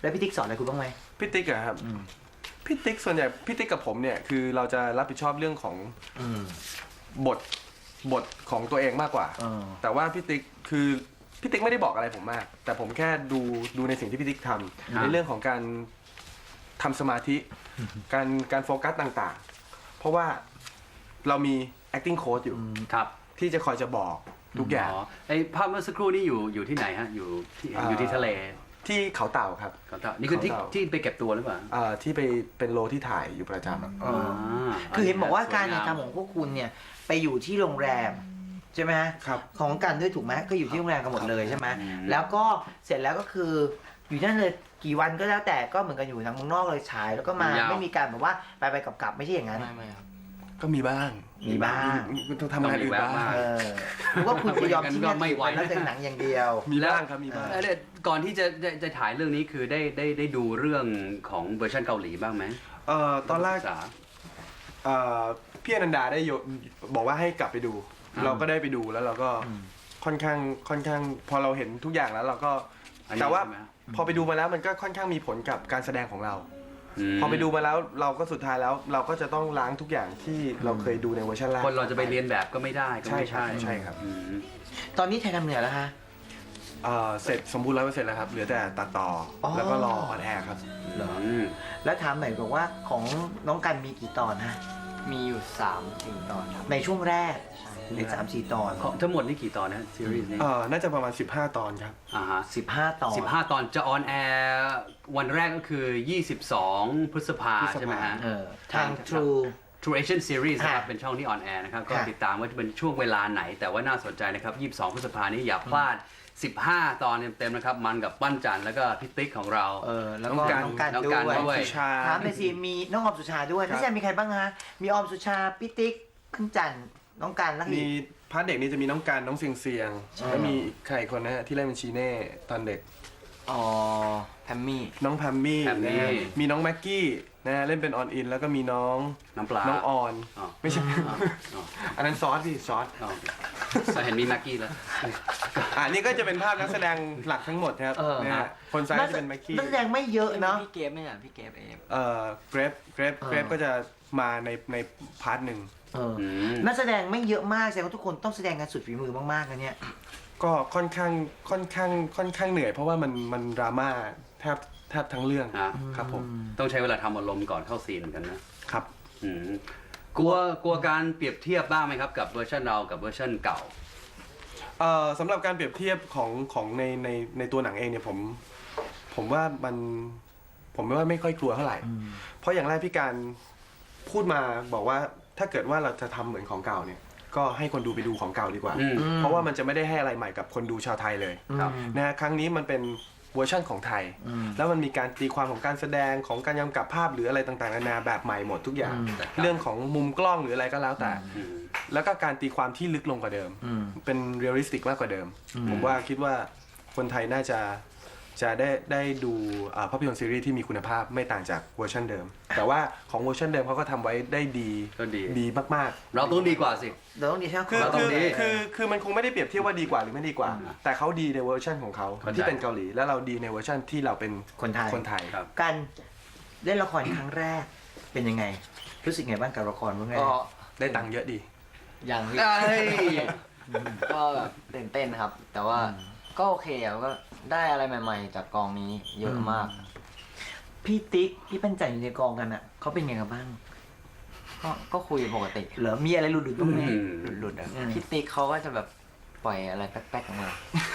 Speaker 1: แล้วพี่ติ๊กสอนอะไรคุณบ้างไหม
Speaker 3: พี่ติ๊กอะครับ
Speaker 1: อืม
Speaker 3: พี่ติ๊กส่วนใหญ่พี่ติ๊กกับผมเนี่ยคือเราจะรับผิดชอบเรื่องของ
Speaker 1: อืม
Speaker 3: บทบทของตัวเองมากกว่า
Speaker 1: เออ
Speaker 3: แต่ว่าพี่ติ๊กคือพี่ติ๊กไม่ได้บอกอะไรผมมาก แต่ผมแค่ดูดูในสิ่งที่พี่ติ๊กทำในเรื่องของการทำสมาธิ การการโฟกัสต่างๆ เพราะว่าเรามี acting coach อยู่
Speaker 2: ครับ
Speaker 3: ที่จะคอยจะบอกทุกอย่าง
Speaker 2: อ๋อไอภาพเมื่อสักครู่นี่อยู่อยู่ที่ไหนฮะอยู่ที่
Speaker 3: อ่า
Speaker 2: อยู่ที่ทะเล
Speaker 3: ที่เขาเต่าครับ
Speaker 2: เขาเต่านี่คือที่
Speaker 3: เขาเต่า
Speaker 2: ที่ไปเก็บตัวหรือเปล่า
Speaker 3: เอ่อที่ไปเป็นโลที่ถ่ายอยู่ประจำอะ
Speaker 1: เออ คือเห็นบอกว่าการถ่ายทำของพวกคุณเนี่ยไปอยู่ที่โรงแรมใช่ไหมฮะ
Speaker 3: ครับ
Speaker 1: ของกันด้วยถูกไหมก็อยู่ที่โรงแรมกันหมดเลยใช่ไหม
Speaker 2: อืม
Speaker 1: แล้วก็เสร็จแล้วก็คืออยู่นั่นเลยกี่วันก็แล้วแต่ก็เหมือนกันอยู่ทางเมืองนอกเลยฉายแล้วก็มาไม่มีการแบบว่าไปไปกลับกลับๆไม่ใช่อย่างนั้น
Speaker 5: ไม่ไม่ครับ
Speaker 3: ก็มีบ้าง
Speaker 1: มีบ้าง
Speaker 3: ต้องทำงานอื่นบ้าง
Speaker 1: เออหรือว่าคุณจะยอมทิ้งงานอื่นไปแล้วเป็นหนังอย่างเดียว
Speaker 3: มีบ้างครับมีบ้าง
Speaker 2: แล้วเนี่ยก่อนที่จะจะจะถ่ายเรื่องนี้คือได้ได้ได้ดูเรื่องของเวอร์ชันเกาหลีบ้างไหม
Speaker 3: เอ่อตอนแรก
Speaker 2: ศึษา
Speaker 3: เอ่อพี่อนันดาได้โยบอกว่าให้กลับไปดู
Speaker 2: อืม
Speaker 3: เราก็ได้ไปดูแล้วเราก็
Speaker 1: อืม
Speaker 3: ค่อนข้างค่อนข้างพอเราเห็นทุกอย่างแล้วเราก็
Speaker 2: อันนี้
Speaker 3: แต่ว่า
Speaker 2: ใช่ไหม
Speaker 3: พอไปดูมาแล้วมันก็ค่อนข้างมีผลกับการแสดงของเรา
Speaker 2: ม
Speaker 3: พอไปดูมาแล้วเราก็สุดท้ายแล้ว เราก็จะต้องล้างทุกอย่างที่เราเคยดูในเวอร์ชันแรก
Speaker 2: คนเราจะไปเรียนแบบก็ไม่ได้ก็
Speaker 3: ใช่
Speaker 2: ไม่
Speaker 3: ครับ
Speaker 2: ใช่
Speaker 3: ใช่ครับ
Speaker 2: อืม
Speaker 1: ตอนนี้ไทยทำเหนือแล้วฮะ
Speaker 3: เอ่อเสร็จสมบูรณ์ร้อยเปอร์เซ็นต์แล้วครับเหลือแต่ตัดต่ออ
Speaker 1: อ
Speaker 3: แล้วก็รอออนแอร์ครับ
Speaker 1: เหรอ
Speaker 2: อืม
Speaker 1: แล้วถามหน่อยบอกว่าของน้องกันมีกี่ตอนฮะ
Speaker 5: มีอยู่สามสี่ตอนครับ
Speaker 1: ในช่วงแรก
Speaker 5: ใช่
Speaker 1: ในสามสี่ตอน
Speaker 2: ของทั้งหมดนี่กี่ตอนนะซีรีส์นี้
Speaker 3: เอ่อน่าจะประมาณสิบห้าตอนครับ
Speaker 2: อ่าฮะ
Speaker 1: สิบห้าตอน
Speaker 2: สิบห้าตอนจะออนแอร์วันแรกก็คือยี่สิบสองพฤษภา
Speaker 3: พฤษภา
Speaker 2: ใช่ไหมฮะ
Speaker 1: เออทาง True
Speaker 2: True Asian Series นะครับ
Speaker 1: ค่ะ
Speaker 2: เป็นช่องที่ออนแอร์นะครับ ก็
Speaker 1: ค่ะ
Speaker 2: ติดตามว่าจะเป็นช่วงเวลาไหน แต่ว่าน่าสนใจนะครับ ยี่สิบสองพฤษภานี้อย่าพลาด สิบห้า ตอนเต็มๆนะครับ มันกับปั้นจันทร์แล้วก็พี่ติ๊กของเรา
Speaker 1: เออแล้ว
Speaker 3: น้
Speaker 1: ก็
Speaker 3: องกัน
Speaker 1: น้องกัน
Speaker 2: น้อง
Speaker 1: ด้
Speaker 2: กัน
Speaker 1: วย
Speaker 2: ด้วย
Speaker 3: สุชา
Speaker 1: ถามเลยสิมีน้องออมสุชาด้วย
Speaker 3: ครับ
Speaker 1: พี่แซมมีใครบ้างฮะมีออมสุชาพี่ติ๊กขึ้นจันทร์น้องกันแล้วก็
Speaker 3: มี
Speaker 1: อีก
Speaker 3: พาร์ทเด็กนี่จะมีน้องการน้องเสียงเสียง
Speaker 1: ใช่
Speaker 3: แล้วมีอีกใครอีกคนนะฮะที่เล่นเป็นชีเน่ตอนเด็ก
Speaker 5: อ๋อแพมมี่
Speaker 3: น้องแพมมี่
Speaker 2: แพมมี่
Speaker 3: นะฮะมีน้องแม็กกี้นะฮะเล่นเป็นออนอิน แล้วก็มีน้อง
Speaker 2: น้ำปลา
Speaker 3: น้องออน
Speaker 2: อ๋อ
Speaker 3: ไม่ใช่
Speaker 2: อ๋ออ๋อ
Speaker 3: อันนั้นซอสพี่ซอส
Speaker 2: อ๋อแต่เห็นมีแม็กกี้แล้ว
Speaker 3: อ่านี่ก็จะเป็นภาพนักแสดงหลักทั้งหมดครับ
Speaker 1: เออ
Speaker 3: นะฮะคนซ้ายจะเป็นแม็กกี้
Speaker 1: นักแสดงไม่เยอะเนาะ
Speaker 5: พี่เกฟไม่ใช่พี่เกฟเอฟ
Speaker 3: เอ่อเกรฟเกรฟ
Speaker 1: เออ
Speaker 3: เกรฟก็จะมาในในพาร์ทหนึ่ง
Speaker 1: เออ
Speaker 2: อืม
Speaker 1: นักแสดงไม่เยอะมากแสดงว่าทุกคนต้องแสดงกันสุดฝีมือมากๆนะเนี่ย
Speaker 3: ก็ค่อนข้างค่อนข้างค่อนข้างเหนื่อย เพราะว่ามันมันดราม่าแทบแทบทั้งเรื่อง
Speaker 2: อ่ะ
Speaker 3: ครับผม
Speaker 2: ต้องใช้เวลาทำอารมณ์ก่อนเข้าซีนเหมือนกันนะครับ อืมกลัวกลัวการเปรียบเทียบบ้างไหมครับกับเวอร์ชันเรากับเวอร์ชันเก่า
Speaker 3: เอ่อสำหรับการเปรียบเทียบของของในในในตัวหนังเองเนี่ยผมผมว่ามันผมว่าไม่ค่อยกลัวเท่าไหร่ เพราะอย่างแรกพี่การพูดมาบอกว่าถ้าเกิดว่าเราจะทำเหมือนของเก่าเนี่ยก็ให้คนดูไปดูของเก่าดีกว่า
Speaker 2: อืม
Speaker 3: เพราะว่ามันจะไม่ได้ให้อะไรใหม่กับคนดูชาวไทยเลย
Speaker 2: ครับ
Speaker 3: นะฮะครั้งนี้มันเป็นเวอร์ชั่นของไทย
Speaker 1: อืม
Speaker 3: แล้วมันมีการตีความของการแสดงของการกำกับภาพหรืออะไรต่างๆนานาแบบใหม่หมดทุกอย่าง
Speaker 1: อืม
Speaker 3: เรื่องของมุมกล้องหรืออะไรก็แล้วแต่
Speaker 2: อืม
Speaker 3: แล้วก็การตีความที่ลึกลงกว่าเดิม
Speaker 1: อืม
Speaker 3: เป็นเรียลลิสติกมากกว่าเดิม
Speaker 1: อืม
Speaker 3: ผมว่าคิดว่าคนไทยน่าจะจะได้ได้ดูอ่าภาพยนตร์ซีรีส์ที่มีคุณภาพไม่ต่างจากเวอร์ชันเดิม แต่ว่าของเวอร์ชันเดิมเขาก็ทำไว้ได้ดี
Speaker 2: ก็ดี
Speaker 3: ดีมาก
Speaker 2: เราต้องดีกว่าสิ
Speaker 1: เดี๋ยวต้องดีใช่ไหม
Speaker 3: ๆ คือ
Speaker 2: เราต้อ
Speaker 3: คื
Speaker 2: ง
Speaker 3: อ
Speaker 2: ดี
Speaker 3: คือคือมันคงไม่ได้เปรียบเทียบว่าดีกว่าหรือไม่ดีกว่า
Speaker 2: อืม
Speaker 3: แต่เขาดีในเวอร์ชันของเขา
Speaker 2: เข้าใจ
Speaker 3: ที่เป็นเกาหลี แล้วเราดีในเวอร์ชันที่เราเป็น
Speaker 1: คนไทย
Speaker 3: คนไทย
Speaker 2: ครับ
Speaker 1: กันเล่นละครครั้งแรกเป็นยังไง รู้สึกไงบ้างกับละครบ้างไง
Speaker 5: ก็
Speaker 3: ได้ตังค์เยอะดี
Speaker 5: อย่างพี่
Speaker 2: เอ้ย
Speaker 5: ก็แบบตื่นเต้นครับ แต่ว่าก็โอเคอะก็ได้อะไรใหม่ๆ จากกองนี้เยอะมาก
Speaker 1: พี่ติ๊กพี่ปั้นจันอยู่ในกองกันอ่ะเขาเป็นไงกันบ้าง
Speaker 5: ก็ก็คุยปกติ
Speaker 1: เหรอมีอะไรหลุดๆบ้างไหม
Speaker 2: อืม
Speaker 5: หลุดๆอะ
Speaker 1: อืม
Speaker 5: พี่ติ๊กเขาก็จะแบบปล่อยอะไรแป๊กๆออกมา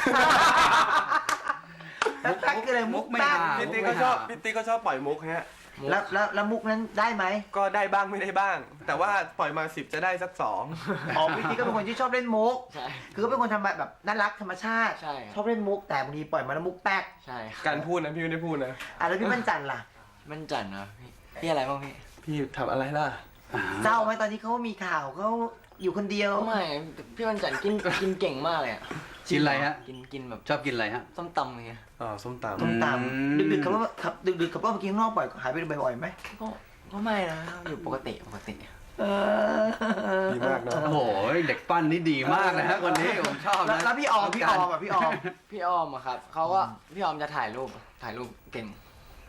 Speaker 1: แป๊กๆคืออะไรมุก
Speaker 2: ไม่
Speaker 1: แป๊ก
Speaker 2: หา
Speaker 3: พี่ติ๊กเขาชอบพี่ติ๊กเขาชอบปล่อยมุกฮะ
Speaker 1: แล้วแล้วแล้วมุกนั้นได้ไหม
Speaker 3: ก็ได้บ้างไม่ได้บ้าง แต่ว่าปล่อยมาสิบจะได้สักสอง
Speaker 1: อ๋อพี่ติ๊กก็เป็นคนที่ชอบเล่นมุก
Speaker 5: ใช่
Speaker 1: คือก็เป็นคนทำแบบน่ารักธรรมชาติ
Speaker 5: ใช่
Speaker 1: ชอบเล่นมุก แต่บางทีปล่อยมาแล้วมุกแป๊ก
Speaker 5: ใช่
Speaker 3: การพูดนะพี่ไม่ได้พูดนะ
Speaker 1: อ่ะแล้วพี่ปั้นจันล่ะ
Speaker 5: มันจันนะพี่พี่อะไรบ้างพี่
Speaker 3: พี่ทำอะไรล่ะ
Speaker 1: เศร้าไหมตอนนี้เขามีข่าวเขาอยู่คนเดียว
Speaker 5: ก็ไม่พี่มันจันกินกินเก่งมากเลยอะ
Speaker 2: กินอะไรฮะ
Speaker 5: กินกินแบบ
Speaker 2: ชอบกินอะไรฮะ
Speaker 5: ส้มตำไง
Speaker 3: อ๋อส้มตำ
Speaker 1: ต้มต
Speaker 2: อืม
Speaker 1: ำดึกๆขับรถขับดึกๆขับรถไปกินข้างนอกบ่อยหายไปบ่อยๆไหม
Speaker 5: ก็ก็ไม่นะอยู่ปกติปกติ
Speaker 1: เออ
Speaker 3: ดีมากเนอะ
Speaker 2: โอ้โหเด็กปั้นนี่ดีมากนะฮะคนนี้ผมชอบ
Speaker 1: แล้ว
Speaker 2: นะ
Speaker 1: แล้วพี่ออมพี่ออมอ่ะพี่ออม
Speaker 5: พี่อ้อมอะครับเขาก็พี่อ้อมจะถ่ายรูปถ่ายรูปเก่ง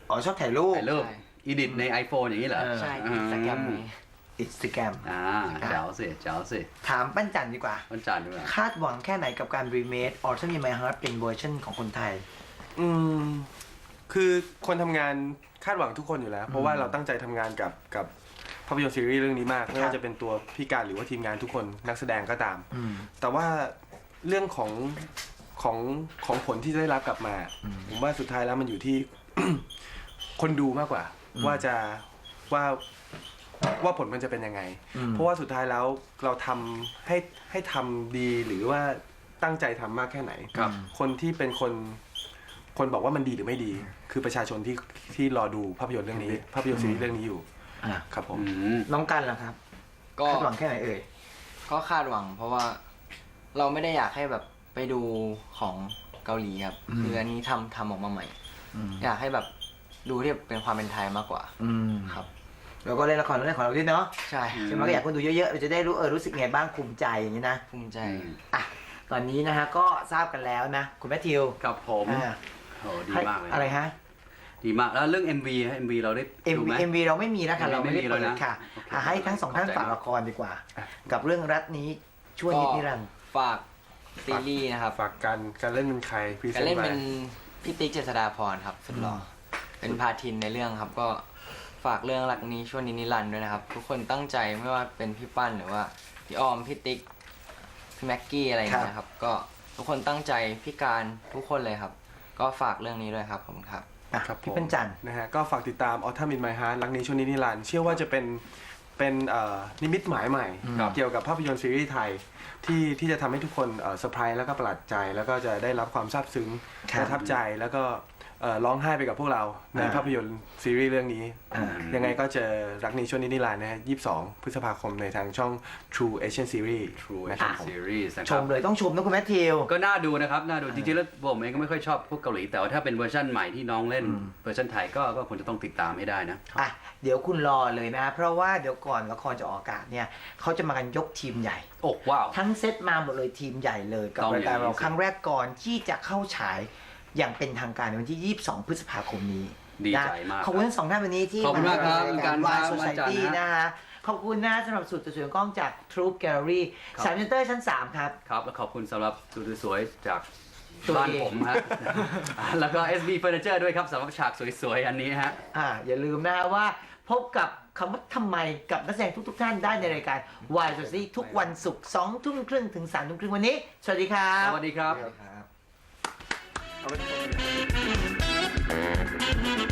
Speaker 1: อ๋อชอบถ่ายรูป
Speaker 2: ถ่ายรูป
Speaker 5: ใช่
Speaker 2: อีดิทใน iPhone อย่างนี้เหรอ
Speaker 1: เออ
Speaker 5: ใช่อินสตาแกรมนี้
Speaker 1: อินสตาแกรม
Speaker 2: อ่าเจ๋วสิเจ๋วสิ
Speaker 1: ถามปั้นจันดีกว่า
Speaker 2: วันจันทร์ดีกว่า
Speaker 1: คาดหวังแค่ไหนกับการรีเมค Autumn in My Heart เป็นเวอร์ชันของคนไทย
Speaker 3: อืมคือคนทำงานคาดหวังทุกคนอยู่แล้ว เพราะว่าเราตั้งใจทำงานกับกับภาพยนตร์ซีรีส์เรื่องนี้มาก ไม่ว่าจะเป็นตัวพี่การหรือว่าทีมงานทุกคนนักแสดงก็ตาม
Speaker 1: อืม
Speaker 3: แต่ว่าเรื่องของของของผลที่จะได้รับกลับมา
Speaker 1: อืม
Speaker 3: ผมว่าสุดท้ายแล้วมันอยู่ที่ คนดูมากกว่า
Speaker 1: อืม
Speaker 3: ว่าจะว่าว่าผลมันจะเป็นยังไง
Speaker 1: อืม
Speaker 3: เพราะว่าสุดท้ายแล้วเราทำให้ให้ทำดีหรือว่าตั้งใจทำมากแค่ไหน
Speaker 2: ครับ
Speaker 3: คนที่เป็นคนคนบอกว่ามันดีหรือไม่ดี คือประชาชนที่ที่รอดูภาพยนตร์เรื่องนี้ ภาพยนตร์ซีรีส์เรื่องนี้อยู่
Speaker 1: อ่ะ
Speaker 3: ครับผม
Speaker 2: อืม
Speaker 1: น้องกันล่ะครับ
Speaker 5: ก็
Speaker 1: คาดหวังแค่ไหนเอ่ย
Speaker 5: ก็คาดหวัง เพราะว่าเราไม่ได้อยากให้แบบไปดูของเกาหลีครับ
Speaker 1: อืม
Speaker 5: คืออันนี้ทำทำออกมาใหม่
Speaker 1: อืม
Speaker 5: อยากให้แบบดูที่เป็นความเป็นไทยมากกว่า
Speaker 1: อืม
Speaker 5: ครับ
Speaker 1: แล้วก็เล่นละครเรื่องของเราด้วยเนาะ
Speaker 5: ใช่
Speaker 1: ใช่ไหมก็อยากคนดูเยอะๆเราจะได้รู้เออรู้สึกไงบ้างภูมิใจอย่างนี้นะ
Speaker 5: ภูมิใจ
Speaker 1: อ่ะตอนนี้นะฮะก็ทราบกันแล้วนะ คุณแมทธิว
Speaker 2: ครับผม
Speaker 1: อ่า
Speaker 2: โอ้ดีมากเลย
Speaker 1: อะไรฮะ
Speaker 2: ดีมากแล้วเรื่อง เอ็ม วี ฮะ เอ็ม วี เราได้
Speaker 1: เอ็ม
Speaker 2: ดูไหม
Speaker 1: เอ็มวีเราไม่มีนะคะ
Speaker 2: เอ็
Speaker 1: เรา
Speaker 2: มวี
Speaker 1: ไม่ได้
Speaker 2: ไม่มี
Speaker 1: เปิด
Speaker 2: แล้วนะ
Speaker 1: ค่ะ
Speaker 2: โอเค
Speaker 1: อ่ะให้ทั้งสองท่าน
Speaker 2: ขอบใจ
Speaker 1: ฝาก
Speaker 2: มาก
Speaker 1: ละครดีกว่า กับเรื่องรัฐนี้ช่วยนิดนิรันดร์
Speaker 5: ฝากซีรีส์นะครับ
Speaker 3: ฝากการการเล่นเป็นใครพรีเซ
Speaker 5: การ
Speaker 3: น
Speaker 5: เล่น
Speaker 3: ต์
Speaker 5: เป็นพี่ติ๊กเจษฎาพรครับสุดหล่ออเป็นพาทินในเรื่องครับ ก็ฝากเรื่องรักนี้ช่วงนี้นิรันดร์ด้วยนะครับ ทุกคนตั้งใจไม่ว่าเป็นพี่ปั้นหรือว่าพี่ออมพี่ติ๊กพี่แม็กกี้อะไรอย่างเงี้ยครับ ก็ทุกคนตั้งใจพี่การทุกคนเลยครับ ก็ฝากเรื่องนี้ด้วยครับผมครับ
Speaker 1: อ่ะ
Speaker 3: ครับผ
Speaker 1: พี่
Speaker 3: ม
Speaker 1: เป็นจันทร์
Speaker 3: นะฮะก็ฝากติดตาม Autumn in My Heart รักนี้ช่วงนี้นิรันดร์เชื่อว่าจะเป็นเป็นเอ่อนิมิตหมายใหม่
Speaker 2: ครับ
Speaker 3: เกี่ยวกับภาพยนตร์ซีรีส์ไทยที่ที่จะทำให้ทุกคนเอ่อเซอร์ไพรส์แล้วก็ประหลาดใจ แล้วก็จะได้รับความซาบซึ้ง
Speaker 1: ครับ
Speaker 3: ประทับใจแล้วก็เอ่อร้องไห้ไปกับพวกเราใน
Speaker 1: อ่า
Speaker 3: ภาพยนตร์ซีรีส์เรื่องนี้
Speaker 1: อ่า
Speaker 3: ยังไงก็เจอรักนี้ช่วงนี้นิรันดร์นะฮะยี่สิบสองพฤษภาคมในทางช่อง True Asian Series
Speaker 2: True
Speaker 3: นะครั
Speaker 2: Action
Speaker 3: บผม
Speaker 2: Series นะค
Speaker 1: ช
Speaker 2: รับ
Speaker 1: มเลยต้องชมนะคุณแมทธิว
Speaker 2: ก็น่าดูนะครับ น่าดู จริงๆ แล้วผมเองก็ไม่ค่อยชอบพวกเกาหลี แต่ว่าถ้าเป็นเวอร์ชันใหม่ที่น้องเล่น
Speaker 1: อืม
Speaker 2: เวอร์ชันไทยก็ก็ควรจะต้องติดตามให้ได้นะ
Speaker 1: อ่ะเดี๋ยวคุณรอเลยนะ เพราะว่าเดี๋ยวก่อนละครจะออกอากาศเนี่ยเขาจะมากันยกทีมใหญ่
Speaker 2: โอ้ว้าว
Speaker 1: ทั้งเซตมาหมดเลยทีมใหญ่เลยกับ
Speaker 2: ต้อง
Speaker 1: รายการ
Speaker 2: อย่างนี้
Speaker 1: เรา
Speaker 2: สิ
Speaker 1: ครั้งแรกก่อนที่จะเข้าฉายอย่างเป็นทางการในวันที่ ยี่สิบสอง พฤษภาคมนี้
Speaker 2: ดีใจ
Speaker 1: นะ
Speaker 2: มาก
Speaker 1: ขอบคุณทั้งสองท่านวันนี้ที่
Speaker 2: ขอบคุณมากครับ
Speaker 1: ราย
Speaker 2: การ
Speaker 1: วาย
Speaker 2: ครับ
Speaker 1: โซ
Speaker 2: วัน
Speaker 1: ซ
Speaker 2: จันทร์
Speaker 1: ตี้
Speaker 2: นะ
Speaker 1: นะฮะขอบคุณนะสำหรับสุดสวยๆกล้องจาก Troop Gallery
Speaker 2: ครับ
Speaker 1: สามเซนเตอร์ชั้น สาม ครับ
Speaker 2: ครับ แล้วขอบคุณสำหรับสูตรสวยๆจาก
Speaker 1: ตัว
Speaker 2: บ้าน
Speaker 1: เอง
Speaker 2: ผมฮะ แล้วก็ เอส บี Furniture ด้วยครับสำหรับฉากสวยๆ อันนี้ฮะ
Speaker 1: อ่าอย่าลืมนะฮะว่าพบกับคำว่าทำไมกับนักแสดงทุกๆท่านได้ในรายการ Why Society ทุกวันศุกร์สองทุ่มครึ่งถึงสามทุ่มครึ่งวันนี้ สวัสดีครับ
Speaker 2: สวัสดีครับ
Speaker 5: ครับ
Speaker 3: เอาไว้